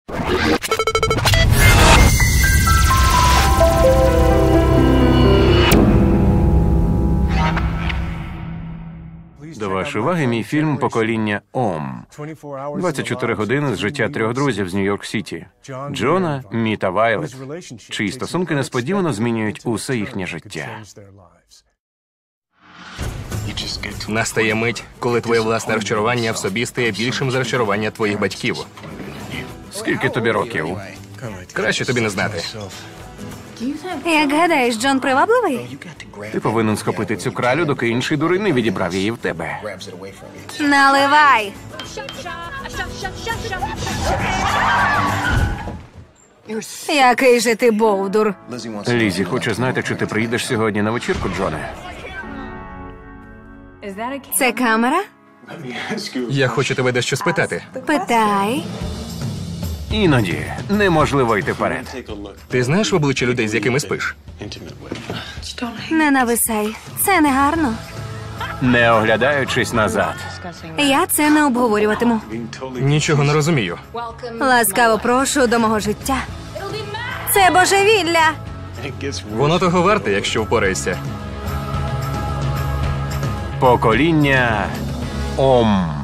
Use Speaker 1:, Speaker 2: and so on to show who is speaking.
Speaker 1: До вашої уваги мій фільм «Покоління Ом». 24 години з життя трьох друзів з Нью-Йорк-Сіті. Джона, Мі та Вайлет, чиї стосунки несподівано змінюють усе їхнє життя.
Speaker 2: Настає мить, коли твоє власне розчарування в собі стає більшим за розчарування твоїх батьків.
Speaker 1: Скільки тобі років?
Speaker 2: Краще тобі не знати.
Speaker 3: Як гадаєш, Джон привабливий?
Speaker 1: Ти повинен схопити цю кралю, доки інший дурень не відібрав її в тебе.
Speaker 3: Наливай! Який же ти бовдур.
Speaker 1: Лізі хоче знати, чи ти приїдеш сьогодні на вечірку, Джоне.
Speaker 3: Це камера?
Speaker 2: Я хочу тебе дещо спитати.
Speaker 3: Питай.
Speaker 1: Іноді неможливо йти вперед.
Speaker 2: Ти знаєш в обличчя людей, з якими спиш?
Speaker 3: Не нависай. Це не гарно.
Speaker 1: Не оглядаючись назад.
Speaker 3: Я це не обговорюватиму.
Speaker 2: Нічого не розумію.
Speaker 3: Ласкаво прошу до мого життя. Це божевілля!
Speaker 2: Воно того варте, якщо впораєшся.
Speaker 1: Покоління Ом.